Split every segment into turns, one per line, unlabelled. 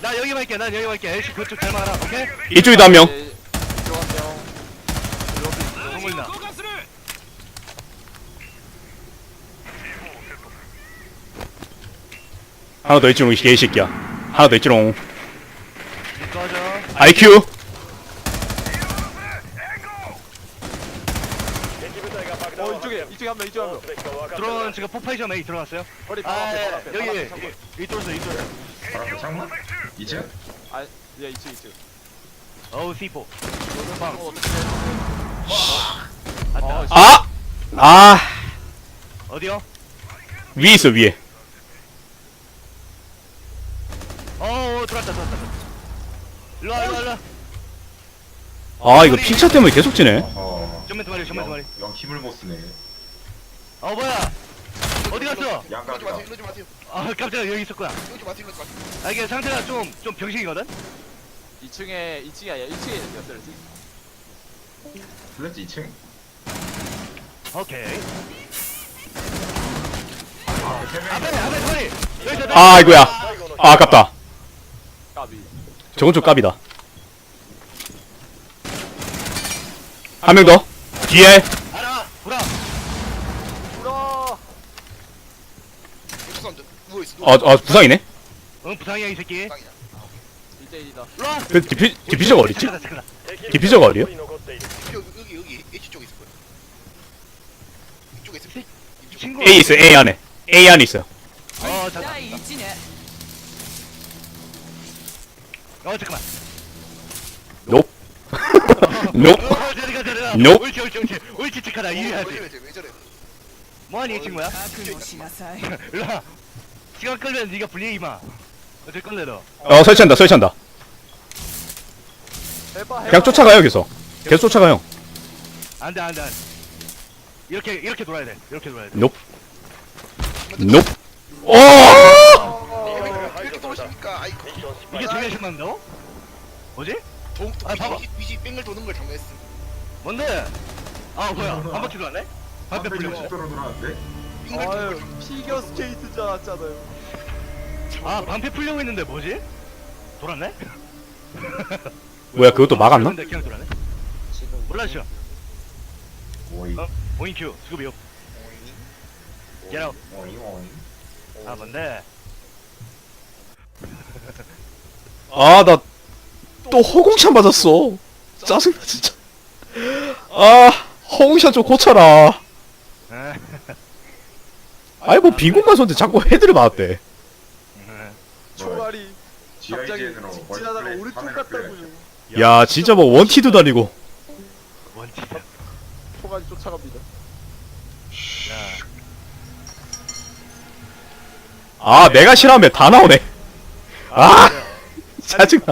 나 여기 갈게. 난 여기 갈게. 애쉬 그쪽 잘 막아라. 오케이?
이쪽에도 한 명.
너무 있나?
하나 더 있지롱 이 개새끼야. 하나 더 있지롱.
꺼져.
IQ.
이쪽에 한 명.
드론 지금 포파이션 A 들어갔어요.
머리 바로
아,
앞에, 바로 앞에, 바로
여기
앞에 창문.
이쪽에서 이쪽.
바로 창문? 이제?
아, 예, 이쪽.
어우 C4.
빵.
맞다.
아! 아!
어디요?
위에 있어 위에.
들어왔다. 일로와.
아 이거 픽차 때문에 계속 지네.
전면 두 마리.
영 힘을 못 쓰네.
뭐야? 어디 갔어?
이러지
양각이다.
마세요. 이러지 마세요.
깜짝이야 여기 있었구나.
이러지 마세요. 이러지 마세요.
이게 상태가 좀 병신이거든?
2층이 아니야. 1층에 있었어요.
플랫지 2층?
오케이.
세 명이
앞에 두 마리. 여기서
아 아이고야. 아 아깝다.
까비.
저건 좀 깝이다. 한 명 더. 뒤에.
알아. 보라.
불어.
사람들 누워 있어.
부상이네.
응 부상이야 이 새끼.
1대1이다.
일로와.
그 디피저가 어딨지?
잠깐만.
디피저가 어디요?
여기 H 쪽에 있을 거예요. 이쪽에 있을 거예요. 이쪽.
친구.
A 있어 A 안에. A 안에 있어요.
잠깐.
第一年
잠깐만.
높. 높.
저리가.
Nope.
옳지 착하다. 이해하지.
왜 저래?
뭐하니 이 친구야?
覚悟しなさい
일로와. 시간 끌면 네가 불리해 이마. 어쩔 건데 너.
설치한다.
해봐.
그냥 쫓아가요 계속. 계속 쫓아가요.
안돼. 이렇게 돌아야 돼.
높. 높. 오!
왜 이렇게 떨어집니까? 아이고.
이게 중요하신 만다고? 뭐지? 봐봐.
위지 뺑을 도는 걸 장면했음.
뭔데? 뭐야? 한 바퀴도 안 해? 반대 불리고.
60도로 돌아왔는데?
뺑을 도는
아유,
걸.
피겨 스케이트 줄 알았잖아요.
방패 풀려고 했는데 뭐지? 돌았네?
뭐야 그것도 막았나?
근데 그냥 돌았네? 몰라죠.
오이.
오인큐 수급이요. Get out.
오이.
뭔데?
아 나 또 허공샷 맞았어. 짜증나 진짜. 아 허공샷 좀 고쳐라. 아이 뭐 빈공간 쏘는데 자꾸 헤드를 맞았대.
총알이 갑자기
GIGN으로
직진하다가 오른쪽 갔다고요.
야 진짜 뭐 원티도 다니고.
원티.
총알이 쫓아갑니다.
아 내가 싫어하면 다 나오네. 아 짜증나.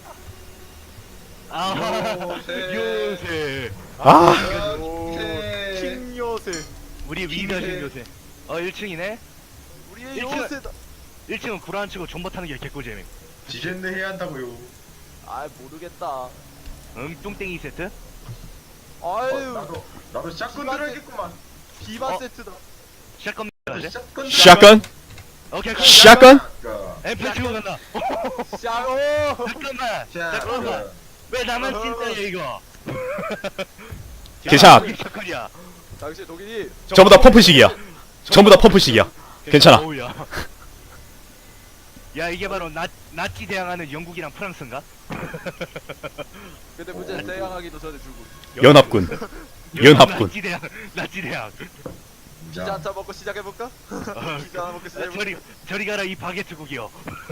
요새.
아
킹 요새.
우리 위대하신 요새. 1층이네?
우리의
일층.
요새다.
1층은 구라 치고 존버 타는 게 개꿀잼임.
지젠데 해야 한다고요.
아 모르겠다.
똥땡이 세트?
아유
나도 샷건 들어야겠구만.
비바 세트다.
샷건 맞지?
샷건.
오케이
샷건.
엠플 치고 간다.
샤오.
잠깐만. 왜 나만 찐따야 이거?
괜찮아.
이게 샷건이야.
당신 독일이
전부 다 퍼프식이야. 전부 다 퍼프식이야. 괜찮아.
어우야. 야 이게 바로 나치 대항하는 영국이랑 프랑스인가?
근데 문제는 대항하기도 전에 죽고.
연합군. 연합군.
나치 대항.
피자 한잔 먹고 시작해볼까? 피자 하나 먹고 시작해볼까?
저리 가라 이 바게트국이요.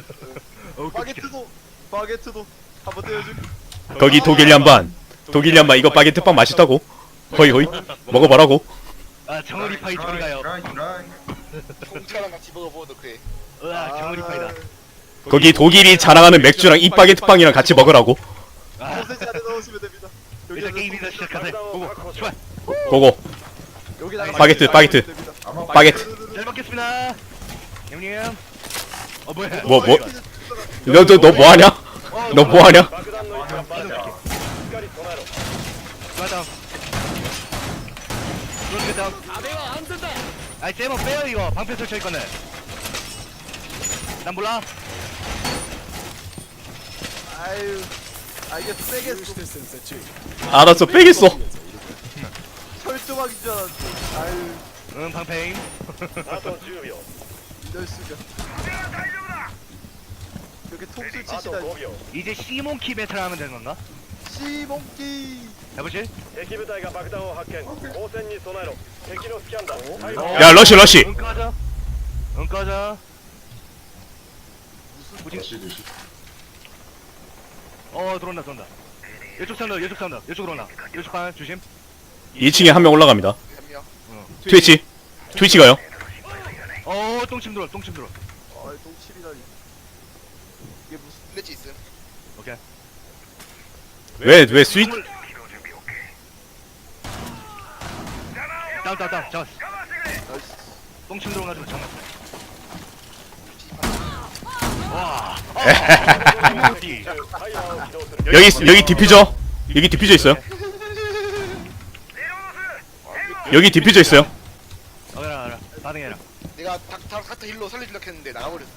바게트도 한번 떼어줄게.
거기 독일 양반. 독일 양반 이거 바게트빵 맛있다고. 허이 허이. 먹어봐라고.
정어리 파이 저리 가요.
공차랑 같이 먹어보도 그래.
정어리 파이다.
거기 독일이 자랑하는 맥주랑 이 바게트빵이랑 같이 먹으라고.
소세지 안에 넣으시면 됩니다.
일단 게임이나 시작하세요. 고고. 좋아.
고고.
여기다가
바게트, 바게트.
됩니다.
바게트.
잘 먹겠습니다. 형님. 뭐야?
뭐 뭐. 너 뭐하냐? 너 뭐하냐?
맞아. 그렇겠다. 아이 쟤뭐 빼요 이거 방패 설치할 거네. 난 몰라.
아유. 아 이게 세겠어.
알았어 빼겠어.
철조망인 줄 알았지. 아유.
응 방패임.
이럴 수가. 이렇게 통수 치시다.
이제 시몬키 배틀 하면 되는 건가?
시몽키.
해보실?
야 러시 러시.
응 꺼져. 응 꺼져.
러시 드시.
들어온다 들어온다. 이쪽 산다 이쪽 산다 이쪽으로 온다. 이쪽 반 조심.
2층에 한 명 올라갑니다.
한 명.
트위치. 트위치가요.
똥침 들어 똥침 들어.
아 동칠이라니. 이게 무슨
플래치 있음.
오케이.
왜 스윗?
다운 잡았어. 똥침 들어가지고 장난. 와.
여기 디퓨저. 여기 디퓨저 있어요. 여기 디퓨저 있어요.
알아 반응해라.
내가 닥터 힐로 살려주려고 했는데 나가버렸어.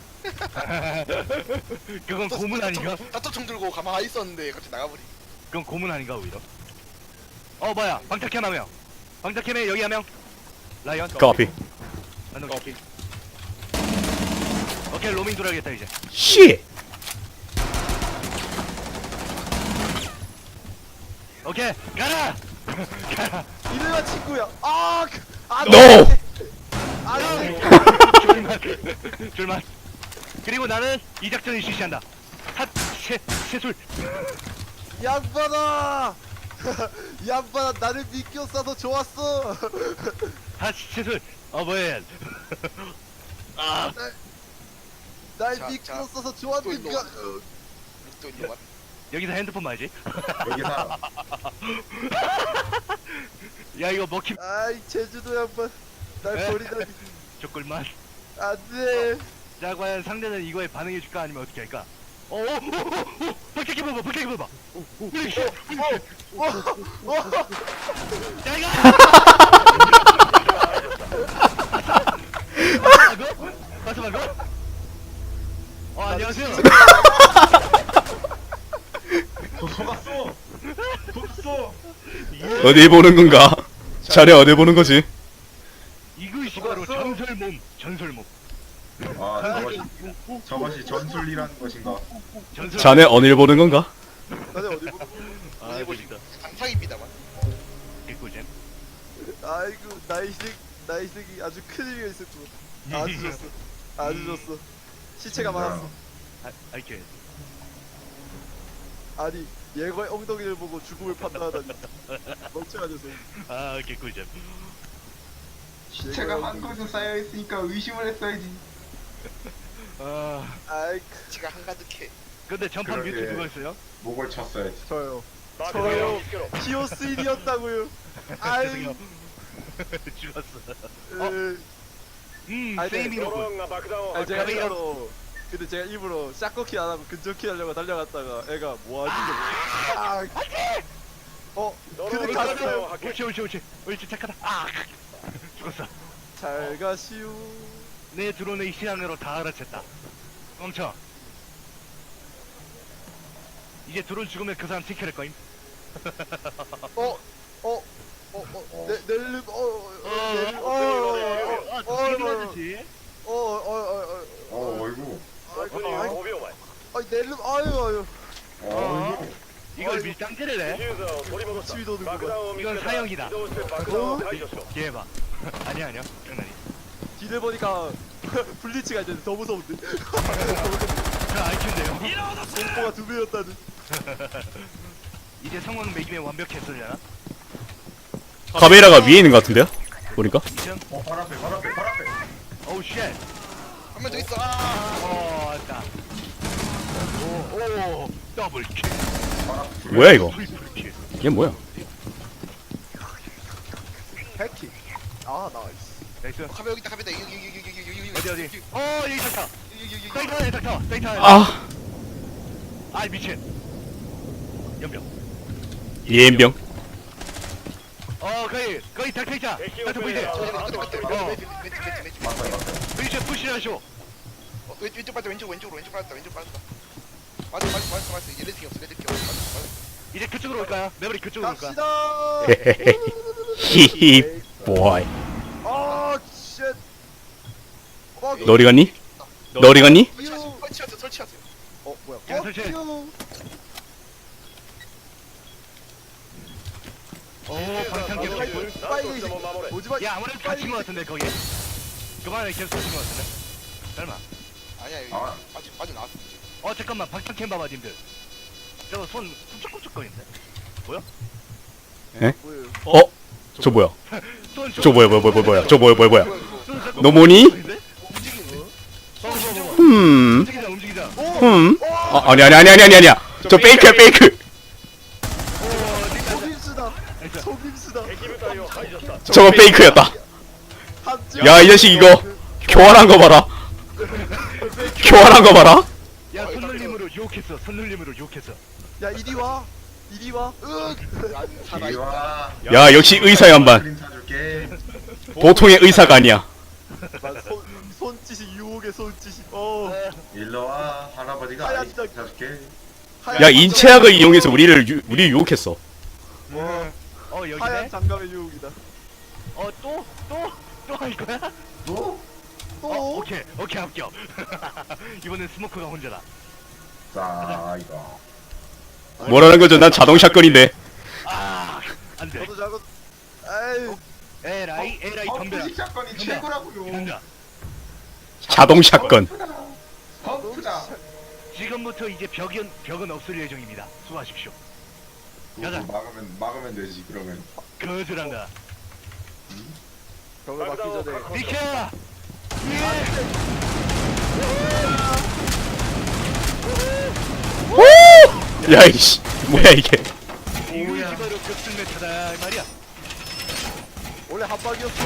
그건 고문 아닌가?
닥터 총 들고 가만히 있었는데 갑자기 나가버리.
그건 고문 아닌가 오히려. 뭐야 방탁캠 한 명. 방탁캠에 여기 한 명. 라이언.
그 앞이.
오케이 로밍 돌아야겠다 이제.
씨.
오케이 가라. 가라.
이래라 친구야. 아.
No.
아니.
줄만. 그리고 나는 이 작전을 실시한다. 샷세술.
양반아. 양반아 나를 믿겨 싸서 좋았어.
샷세술. 뭐야? 아
날
자,
믿고
자,
써서
또
좋았는가.
일로 또 일로 와.
여기서 핸드폰 봐야지.
여기 사.
야 이거 먹힘.
아이 제주도 양반. 날
에?
버리다니.
조꿀만.
안돼.
자 과연 상대는 이거에 반응해줄까 아니면 어떻게 할까? 박태기 봐봐 박태기 봐봐. 야 이거. 봤어 방금? 안녕하세요.
속았어. 속았어.
어디 보는 건가? 자네 어디 보는 거지?
이것이 바로 전설몸. 전설몸.
아 저것이 전술이라는 것인가?
전설.
자네 어딜 보는 건가?
나는 어디 보고.
아 멋있다.
상상입니다만.
개꿀잼.
아이고 나이색이 아주 큰 의미가 있었구만. 아주 좋았어. 아주 좋았어. 시체가 많았어.
아이케.
아니 예거의 엉덩이를 보고 죽음을 판단하다니. 멍청한 녀석.
개꿀잼.
시체가 한 곳에 쌓여 있으니까 의심을 했어야지.
아이
지가 한가득해.
근데 전판
그러게.
뮤트 누가 있어요?
목을 쳤어야지.
저요. 저요. 히오스인이었다고요. 아이.
죄송해요. 죽었어.
아니,
세이미로군.
아니 제가
가만히
일부러 근데 제가 일부러 샷거키 안 하고 근접키 하려고 달려갔다가 애가 뭐하지? 근데 갔어요.
옳지 착하다. 죽었어.
잘 가시오.
내 드론의 시안으로 다 알아챘다. 멈춰. 이제 드론 죽으면 그 사람 티켓할 거임.
넬름
죽이라듯이.
어이구.
넬름 아유
어이구.
이걸 밀당질을 해?
치위 도는구만.
이건 사형이다. 얘봐. 아니야. 장난이.
뒤를 보니까 블리츠가 이제 더 무서운데.
저 IQ인데요.
공포가 2배였다는.
이제 상황 매김에 완벽했으려나?
카베이라가 위에 있는 것 같은데요? 보니까?
이전?
발 앞에.
오우 쉣.
한 명 더 있어.
왔다. 오, 더블 킬.
뭐야 이거?
트리플 킬.
얘 뭐야?
해킹. 나이스.
나이스.
카메 여기 있다. 여기
어디? 여기 닥터.
여기.
닥터.
아
미친. 연병.
예엔병.
거의 닥터 있자. 닥터 보이지?
왼쪽
브리츠 푸시하쇼.
왼쪽 빠졌다. 왼쪽으로 빠졌다. 맞아. 얘네 팀이 없어. 맞아.
이제 그쪽으로 올까요? 매버릭 그쪽으로 올까?
갑시다.
히히 보이.
아, 쉣.
너 어디 갔니? 너 어디 갔니?
설치하세요.
어, 뭐야?
그냥 설치해. 오 방탄 계속 개꿀.
빨리 오지 마.
야 아무래도 갇힌 것 같은데 거기. 그만에 계속 갇힌 것 같은데. 설마.
아니야, 여기
아.
빠져나왔어.
잠깐만 방탄캠 봐봐 님들. 저거 손 꿈쩍꿈쩍거리는데.
뭐예요?
어? 저 뭐야?
손
저 뭐야? 저 뭐야?
손 자꾸
너 뭐니?
움직이는데? 봐봐. 움직이자.
아니야. 저 페이크야, 페이크.
속임수다. 속임수다.
저거 페이크였다.
한쪽.
야, 이 자식 이거 교환한 거 봐라. 교환한 거 봐라.
야 손놀림으로 유혹했어. 손놀림으로 유혹했어.
야, 이리 와. 이리 와.
이리 와.
야, 역시 의사의 한반.
크림 사줄게.
보통의 의사가 아니야.
손짓이 유혹의 손짓이.
일로 와. 할아버지가
하얀
아이스크림 사줄게.
야, 인체학을 이용해서 우리 유혹했어.
여기네.
하얀 장갑의 유혹이다.
또 할 거야?
또?
오케이 합격. 이번엔 스모크가 혼자다.
자, 이거.
뭐라는 거죠? 난 자동 샷건인데.
안돼.
저도 작은. 아이.
에라이 덤벼라.
푸식 사건이
덤벼.
최고라고요.
덤벼.
자동 샷건.
펌프다.
지금부터 이제 벽은 없을 예정입니다. 수고하십시오. 가자.
막으면 되지 그러면.
거절한다.
벽을 막기 전에.
비켜.
야, 이씨. 뭐야, 이게.
오야. 바로 벽술 메타다 이 말이야.
원래 한 방이었어.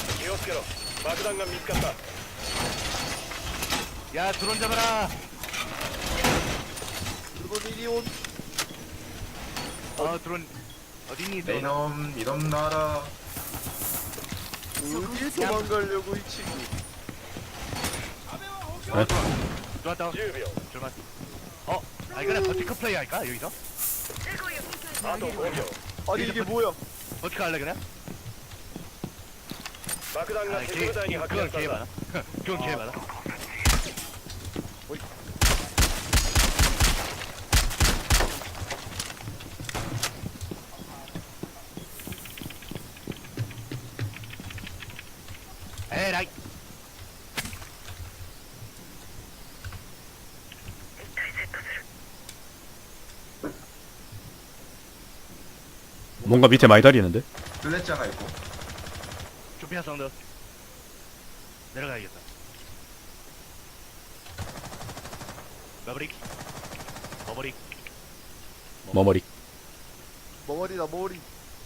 야 드론 잡아라.
그리고 이리 온.
드론 어디니 드론?
이놈 나라.
어딜 도망가려고 이 친구.
들어왔다. 들어왔. 이거는 버티커 플레이 할까 여기서?
아니 이게 뭐야?
어떻게 할래 그냥? 그건 개 많아. 그건 개 많아. 에라이.
뭔가 밑에 많이 다리는데?
슬래자가 있고.
조피아 사운드. 내려가야겠다. 마브릭. 버버릭.
머머리.
머머리다 머리.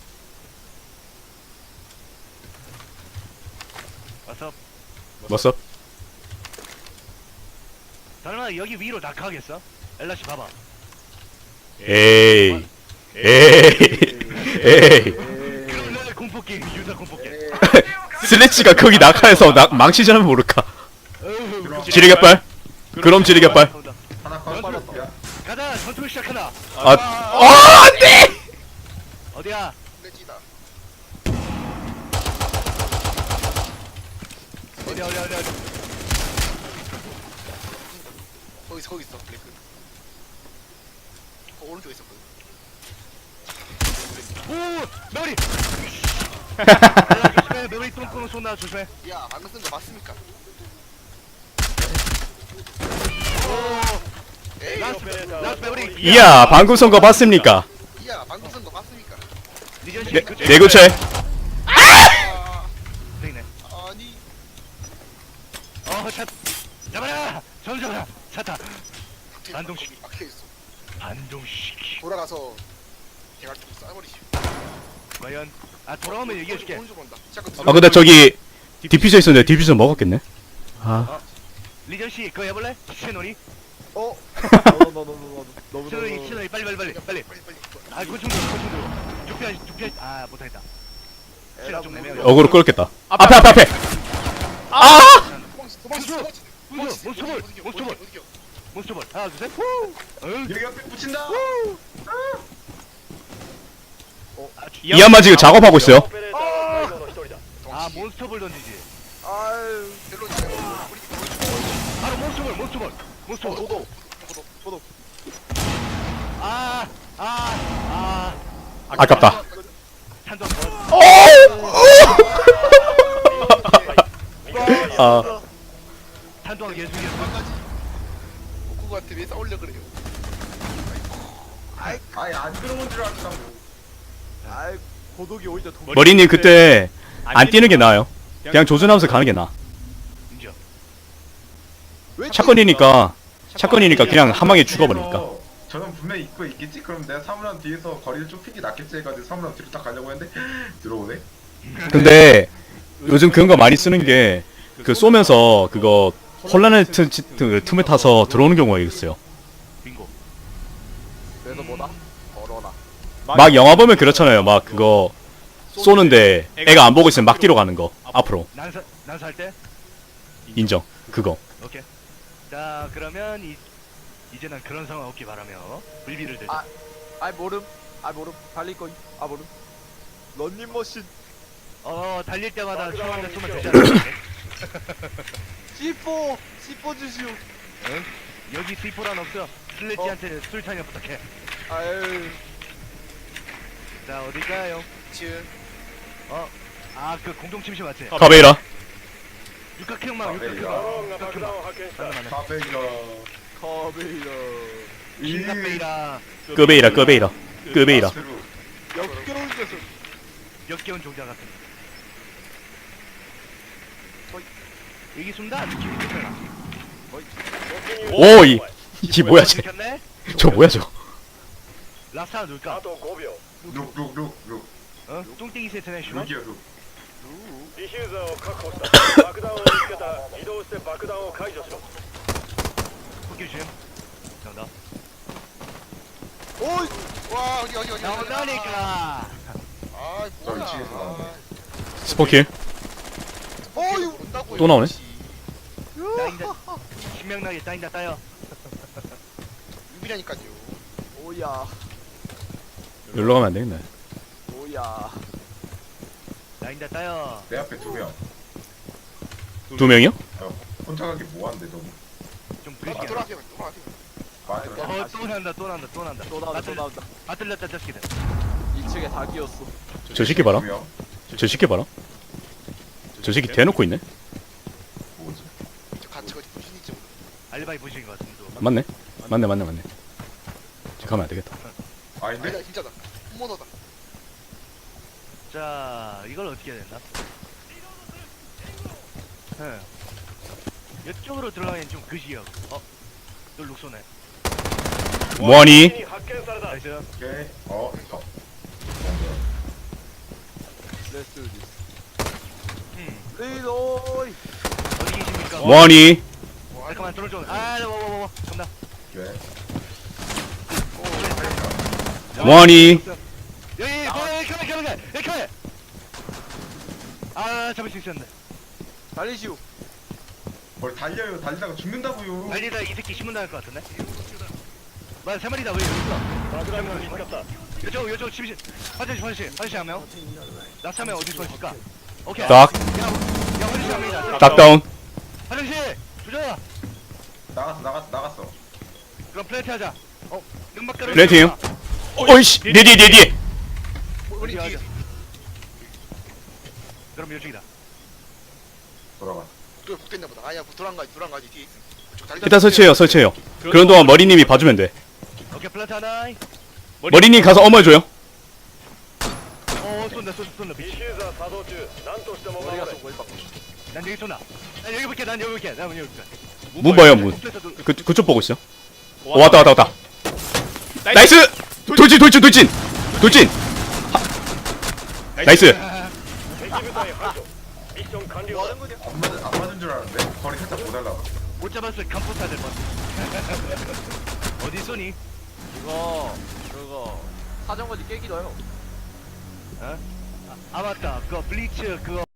왔어.
뭐써?
설마 여기 위로 낙하하겠어? 엘라씨 봐봐.
에이.
그래 공포 게임 유자 공포 게임.
슬래치가 거기 낙하해서 망치자면 모를까. 지르개빨. 그럼 지르개빨.
하나 컷. 야,
가자 전투를 시작하나.
안돼!
어디야?
레지다.
어디.
거기 있어. 블랙. 오른쪽에 있었거든.
오 메모리. 조심해 메모리 똥꼬는 쏜다 조심해.
야, 방금 쓴 거 맞습니까? 에이,
라스트 메모리.
이야, 방금 선거 봤습니까?
야, 방금 쓴 거 맞습니까?
리전씨
내 구체.
아,
되네.
아니.
차 잡아라. 잡아라. 차타. 반동식.
막혀 있어.
반동시키.
돌아가서 대갈 좀 쏴버리지.
과연 돌아오면 얘기해줄게.
오른쪽 온다. 잠깐
아, 근데 저기 디퓨저 있었는데 디퓨저 먹었겠네.
리전씨 그거 해볼래? 시체놀이?
너.
시체놀이 빨리.
빨리.
고충도 두피아 못하겠다. 시간 좀 내면
어그로 끌었겠다. 앞에.
몬스터볼. 몬스터볼 하나 둘셋 후! 응?
여기 옆에 붙인다.
이한마 지금 작업하고 있어요.
아 몬스터볼 던지지
아유.
멜론이 있어요.
바로 몬스터볼
저도.
아깝다.
찬동
아,
찬동하게 해주겠어
고쿠한테 왜 싸우려 그래요?
아예 안 들어온 줄 알았다고.
아이 고독이 오히려 더.
머리님 그때 안 뛰는 게 나아요. 그냥 조준하면서 가는 게 나아.
인정
샷건이니까 그냥 한 방에 죽어버리니까.
저는 분명히 입고 있겠지? 그럼 내가 사물함 뒤에서 거리를 좁히기 낫겠지 해가지고 사물함 뒤로 딱 가려고 했는데 들어오네?
근데 요즘 그런 거 많이 쓰는 게 그 쏘면서 그거 혼란의 틈을 타서 들어오는 경우가 있어요.
빙고
그래서 뭐다? 걸어라.
막 영화 보면 그렇잖아요. 막 그거 쏘는데 애가 안 보고 있으면 막 뒤로 가는 거. 앞으로.
난살 때?
인정. 그거.
오케이 자 그러면 이제는 그런 상황 없기 바라며 불비를 들자
아. 아이 모름. 달릴 거임. 아 모름. 런닝머신.
달릴 때마다 총 한 대 쏘면 되지 않을까?
C4 주시오.
응? 여기 C4란 없어 슬래지한테 술탄이 부탁해
아유.
자 어딜까요?
지금
그 공동 침실 맞지?
카베이라.
육각형망 맞나
카페가
커베이러.
킹카페이라
끄베이라.
역겨운 녀석.
역겨운 종자 같은 여기 숨다 느낌이 좋잖아
오, 이게 뭐야 쟤?
들켰네?
저 뭐야 저?
라스타 누굴까?
룩
어? 뚱땡이 세트 내슈널?
룩이야 룩
ディフューザーを確保した爆弾を見つけたら移動して爆弾を解除しろ
포켓 줌 나온다
오이.
와 어디
나온다니까
아
저
뭐야
2층에서 나오네.
스포킬.
어이.
온다고요.
또 나오네.
따인다 신명나게 따인다 따요
유비라니까요.
오야.
여기로 가면 안 되겠네.
오야.
따인다 따요
내 앞에 2명.
2명이요?
혼자 가기 뭐한데 너무.
좀
아,
그지게
돌아가세요.
맞아.
또 난다
또 나온다.
아 들렸다 자식이들
2층에 다 끼었어.
저 새끼 봐라.
2명.
저 새끼 봐라. 저 새끼 대놓고 있네.
뭐지?
저 같이 거기 무슨 일지 모르.
알바이 보신 것 같은데
맞네. 저 가면 안 되겠다.
아닌데?
아니다 진짜다. 홈모너다.
자 이걸 어떻게 해야 됐나? 이쪽으로 들어가면 좀 그지요 또 룩소네
뭐하니?
に発見された
나이스
오케이.
Let's do this.
음
리로이.
어디 계십니까?
뭐하니?
잠깐만 들어줘 뭐 존나
오케이.
뭐하니?
여기 카메 잡을 수 있었는데
달리시오.
뭘 달려요. 달리다가 죽는다고요.
달리다 이 새끼 신문 당할 것 같은데? 맞아 세 마리다 왜 여기 있어
爆弾が見つかった
요쪽 침실 화장실 한명 나스 한명 어디서 있을까? 오케이
딱,
야 화장실 한 명이다
딱 다운.
화장실 조져라
나갔어.
그럼 플랜트 하자 연막가루
플랜팅이요? 어이씨, 내 뒤에.
우리 뒤에
그럼 요쪽이다
돌아가.
또 복됐나 보다. 아니야 돌아간 가지 뒤에 있어. 저 달리다
일단 설치해요. 그런 동안 머리님이 봐주면 돼.
오케이 플랜트 하나
머리님 가서 어머해줘요.
쏜다
ディ
미치
フューザー作動中何としても守
머리가
れ
쏜 거임 봐.
난 여기 쏜다 난 여기 볼게 난 여기 볼게
문 봐요, 문. 그쪽 보고 있어. 왔다. 나이스! 돌진! 나이스!
敵部隊排除ミッション完了
뭐 하는 거냐?
안 맞은 줄 알았는데 거리 살짝 못 달라.
못 잡았을 간포타 될것 같아 어디 쏘니?
그거 사정거지 깨기도 해요.
아 맞다 그거 블리츠 그거